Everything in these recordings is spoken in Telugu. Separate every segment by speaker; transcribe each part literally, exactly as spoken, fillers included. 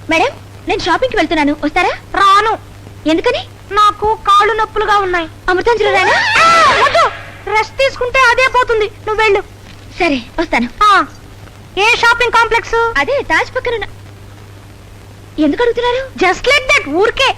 Speaker 1: మేడం, నేను షాపింగ్ కి వెళ్తున్నాను, వస్తారా?
Speaker 2: రాను.
Speaker 1: ఎందుకని?
Speaker 2: నాకు కాళ్ళు నొప్పులుగా ఉన్నాయి.
Speaker 1: అమృతాంజలి రానా?
Speaker 2: రెస్ట్ తీసుకుంటే అదే పోతుంది. నువ్వు వెళ్ళు.
Speaker 1: సరే, వస్తాను.
Speaker 2: ఏ షాపింగ్ కాంప్లెక్స్?
Speaker 1: అదే తాజ్ పక్కన. ఎందుకు అడుగుతున్నారు?
Speaker 2: జస్ట్ లైక్ దట్, ఊరికే.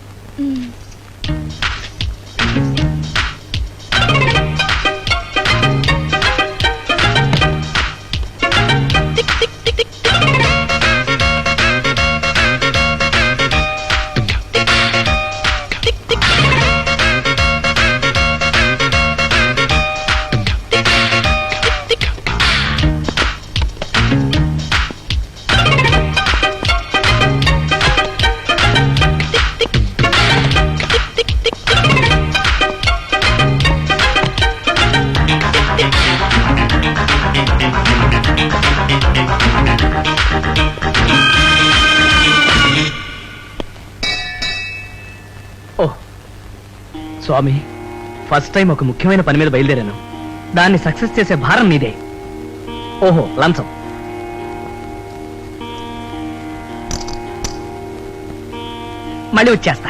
Speaker 3: స్వామి, ఫస్ట్ టైం ఒక ముఖ్యమైన పని మీద బయలుదేరాను. దాన్ని సక్సెస్ చేసే భారం మీదే. ఓహో, లంచం. మళ్ళీ వచ్చేస్తా.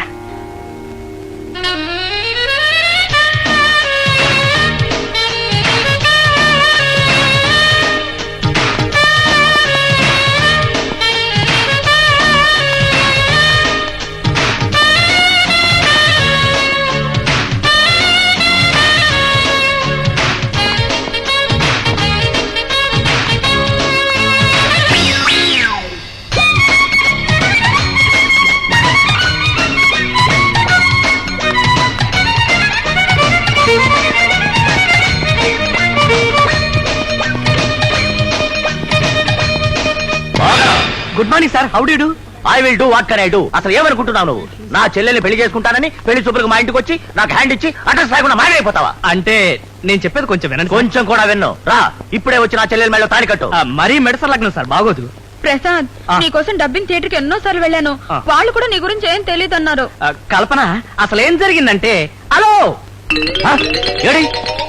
Speaker 3: Good morning sir, how do you do?
Speaker 4: I will do what can I do. అసలు ఏమనుకుంటున్నావు నువ్వు? నా చెల్లెల్ని పెళ్లి చేసుకుంటానని పెళ్లి చూపులకు మా ఇంటికి వచ్చి నాకు హ్యాండ్ ఇచ్చి అడ్రస్ లేకుండా మాయమైపోతావా?
Speaker 3: అంటే నేను చెప్పేది కొంచెం వినండి.
Speaker 4: కొంచెం కూడా విన్ను. రా, ఇప్పుడే వచ్చి నా చెల్లెల మేళ తాడి కట్టు.
Speaker 3: మరీ మెడస లగ్నం సార్, బాగోదు.
Speaker 2: ప్రసాద్, నీకోసం డబ్బింగ్ థియేటర్ కి ఎన్నో సార్లు వెళ్ళాను. వాళ్ళు కూడా నీ గురించి ఏం తెలియదు అన్నారు.
Speaker 3: కల్పన, అసలు ఏం జరిగిందంటే, హలో
Speaker 4: ఏడి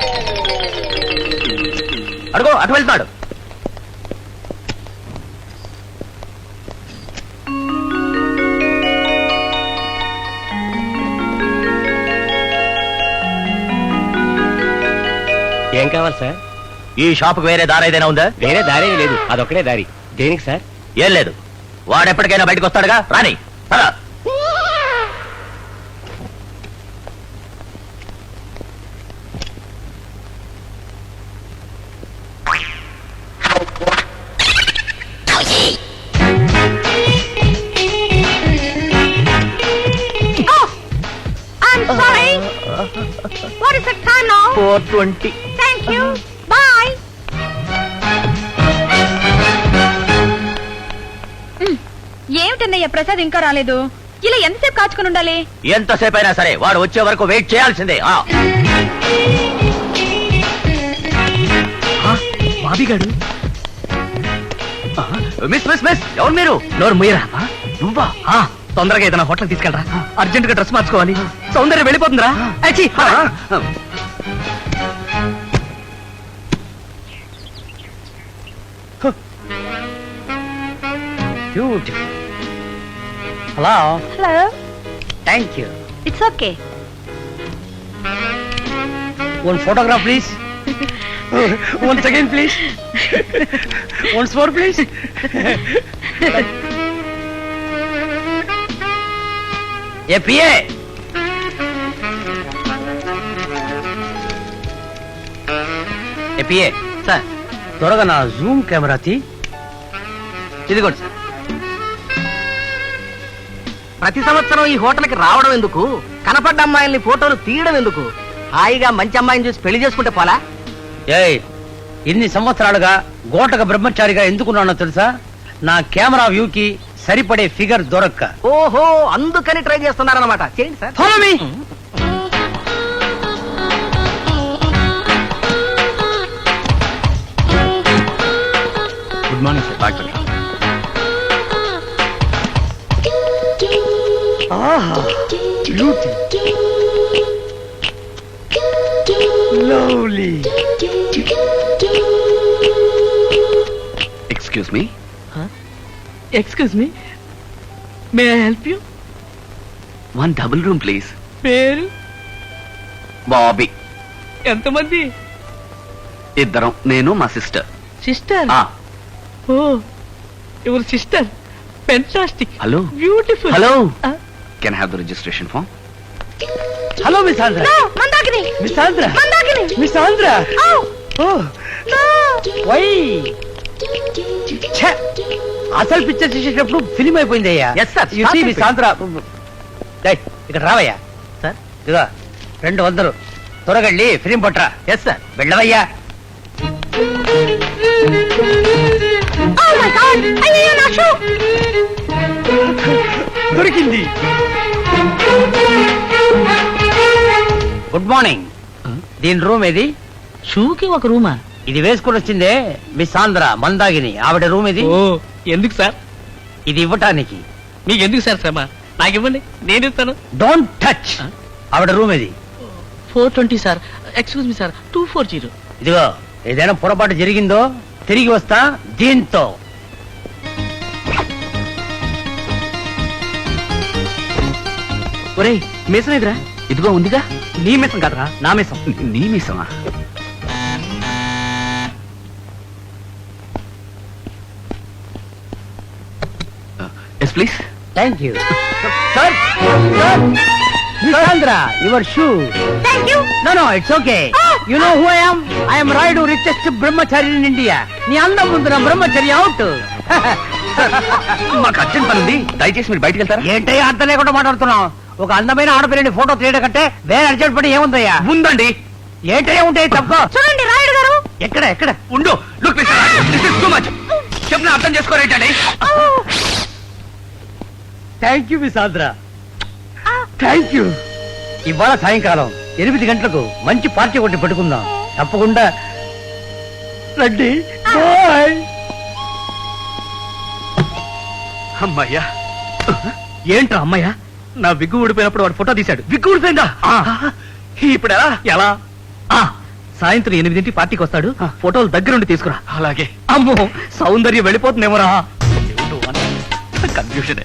Speaker 4: అడుగు, అటు వెళ్తున్నాడు.
Speaker 3: ఏం కావాలి సార్?
Speaker 4: ఈ షాప్ వేరే దారి ఏదైనా ఉందా?
Speaker 3: వేరే దారి లేదు, అదొక్కడే దారి. దేనికి సార్?
Speaker 4: ఏం లేదు, వాడెప్పటికైనా బయటకు వస్తాడుగా, రాని. Four twenty.
Speaker 2: Thank you, bye. ఏమిటన్నయ్య ప్రసాద్ ఇంకా రాలేదు? ఇలా ఎంతసేపు కాచుకుని ఉండాలి?
Speaker 4: ఎంతసేపు అయినా సరే వాడు వచ్చే వరకు వెయిట్ చేయాల్సిందే.
Speaker 3: బాబీగాడు.
Speaker 4: మిస్ మిస్ మిస్ ఎవరు మీరు?
Speaker 3: నోరు ముయ్యరా.
Speaker 4: నువ్వా?
Speaker 3: తొందరగా ఏదైనా హోటల్ తీసుకెళ్ళరా, అర్జెంట్ గా డ్రెస్ మార్చుకోవాలి. సౌందర్యం వెళ్ళిపోతుందిరా. Hello
Speaker 2: hello.
Speaker 3: Thank you.
Speaker 2: It's okay.
Speaker 3: One photograph please. One second please. Once more please.
Speaker 4: ఏ పిఏ, ఏ పిఏ
Speaker 3: సార్, త్వరగా నా జూమ్ కెమెరా తీ.
Speaker 4: ఇదిగోండి సార్.
Speaker 3: ప్రతి సంవత్సరం ఈ హోటల్కి రావడం ఎందుకు? కనపడ్డ అమ్మాయిల్ని ఫోటోలు తీయడం ఎందుకు? హాయిగా మంచి అమ్మాయిని చూసి పెళ్లి చేసుకుంటే పోలా?
Speaker 5: ఏయ్, ఇన్ని సంవత్సరాలుగా గోటక బ్రహ్మచారిగా ఎందుకున్నానో తెలుసా? నా కెమెరా వ్యూకి సరిపడే ఫిగర్ దొరక్క.
Speaker 3: ఓహో, అందుకని ట్రై చేస్తున్నారన్నమాట. చేయండి sir.
Speaker 5: Follow me.
Speaker 4: Good morning sir. Doctor.
Speaker 5: ఆహా, beauty, lovely.
Speaker 4: Excuse me.
Speaker 3: Excuse me. May help you?
Speaker 4: One double room please.
Speaker 3: పేరు?
Speaker 4: బాబీ.
Speaker 3: ఎంతమంది?
Speaker 4: ఇద్దరం, నేను మా sister.
Speaker 3: Sister? Oh your sister, fantastic.
Speaker 4: Hello.
Speaker 3: Beautiful.
Speaker 4: Hello. Can have the registration form?
Speaker 5: Hello miss Andhra.
Speaker 2: Mandakini
Speaker 5: miss Andhra.
Speaker 2: Mandakini
Speaker 5: miss Andhra. Oh why ఛే! అసలు పిక్చర్ చేసేటప్పుడు ఫిలిం అయిపోయింది అయ్యా.
Speaker 4: Yes, sir.
Speaker 5: You see, miss Andhra. డేయ్, ఇక్కడ రావయ్యా.
Speaker 3: సార్?
Speaker 5: ఇదిగో రెండు వందలు త్వరగా వెళ్ళి ఫిలిం పట్టరా.
Speaker 3: Yes sir.
Speaker 5: వెళ్ళవయ్యా.
Speaker 2: Oh my God! అయ్యయ్యో, నా షూ!
Speaker 5: దొరికింది. Good morning. దీని రూమ్ ఏది?
Speaker 3: షూకి ఒక రూమా?
Speaker 5: ఇది వేసుకుని వచ్చిందే మిస్ ఆంధ్ర మందాగిని, ఆవిడ రూమ్ ఇది.
Speaker 3: ఓ ఎందుకు సార్?
Speaker 5: ఇది ఇవ్వటానికి.
Speaker 3: మీకు ఎందుకు సార్ శ్రమ? నాకు ఇవ్వండి, నేను ఇస్తాను.
Speaker 5: Don't touch. ఆవిడ రూమ్ ఇది.
Speaker 3: Four twenty sir. Excuse me sir, two four zero.
Speaker 5: ఇదిగో ఏదైనా పొరపాటు జరిగిందో తిరిగి వస్తా దీంతో.
Speaker 3: ఒరేయ్, మీసం ఎదురా?
Speaker 4: ఇదిగో ఉందిగా.
Speaker 3: నీ మీసం కదరా, నా మీసం.
Speaker 4: నీ మీసమా? Yes please.
Speaker 5: Thank you sir. Sir miss Andhra, your shoe.
Speaker 2: Thank you.
Speaker 5: No no it's okay. You know who I am? I am Rayudu, richest brahmachari in India. నీ అందం ముందు నా బ్రహ్మచర్య అవుట్.
Speaker 4: మాకు అర్జెంట్ పని ఉంది, దయచేసి మీరు బయటికి వెళ్తారా?
Speaker 5: ఏంటయ్యా అర్థం లేకుండా మాట్లాడుతున్నావు? ఒక అందమైన ఆడపిల్లని ఫోటో తీయడం కంటే వేరే అర్జెంట్ పని ఏముందయ్యా?
Speaker 4: ఉందండి.
Speaker 5: ఏంటయ్యా ఉంటాయి తప్ప.
Speaker 2: చూడండి రాయుడు గారు.
Speaker 5: ఎక్కడ ఎక్కడ?
Speaker 4: ఉండు. Look this is too much. చెప్పిన అర్థం చేసుకోరేంటండి?
Speaker 5: Thank you miss Andhra, thank you. ఇవాళ సాయంకాలం ఎనిమిది గంటలకు మంచి పార్టీ ఒకటి పెట్టుకుందాం. తప్పకుండా రండి. బాయ్.
Speaker 3: అమ్మయ్యా. ఏంట్రా అమ్మయ్యా? నా విగ్గు ఊడిపోయినప్పుడు వాడు ఫోటో తీశాడు.
Speaker 4: విగ్గు ఊడిపోయిందా? ఇప్పుడు ఎలా?
Speaker 3: ఎలా? ఆ సాయంత్రం ఎనిమిదింటి పార్టీకి వస్తాడు. ఫోటోలు దగ్గరుండి తీసుకురా.
Speaker 4: అలాగే.
Speaker 3: అమ్మో, సౌందర్యం వెళ్ళిపోతుందేమోరా.
Speaker 4: కన్ఫ్యూషన్.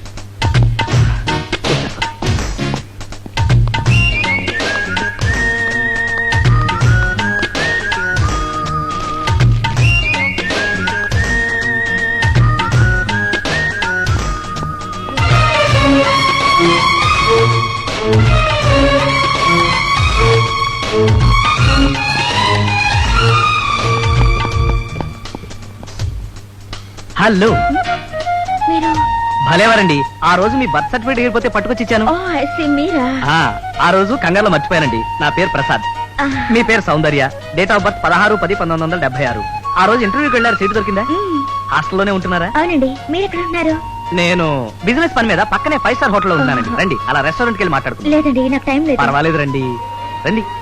Speaker 3: హలో.
Speaker 1: మీరు?
Speaker 3: భలేవారండి. ఆ రోజు మీ బర్త్ సర్టిఫికేట్ ఎగిరిపోతే పట్టుకొచ్చి ఇచ్చాను.
Speaker 1: ఓ ఐ సీ, మీరా?
Speaker 3: ఆ, ఆ రోజు కంగారులో మర్చిపోయానండి. నా పేరు ప్రసాద్.
Speaker 1: ఆ,
Speaker 3: మీ పేరు సౌందర్య. డేట్ ఆఫ్ బర్త్ పదహారు పది పంతొమ్మిది వందల డెబ్బై ఆరు. ఆ రోజు ఇంటర్వ్యూకి వెళ్ళారు, సీటు దొరికిందా?
Speaker 1: మ్,
Speaker 3: హాస్టల్లోనే ఉంటున్నారా?
Speaker 1: అవునండి. మీరు ఎక్కడ ఉన్నారు?
Speaker 3: నేను బిజినెస్ పని మీద పక్కనే ఫైవ్ స్టార్ హోటల్లో ఉంటానండి. రండి, అలా రెస్టారెంట్కి వెళ్ళి మాట్లాడుకుందాం.
Speaker 1: లేదండి, నాకు టైం లేదు.
Speaker 3: పర్వాలేదు, రండి రండి.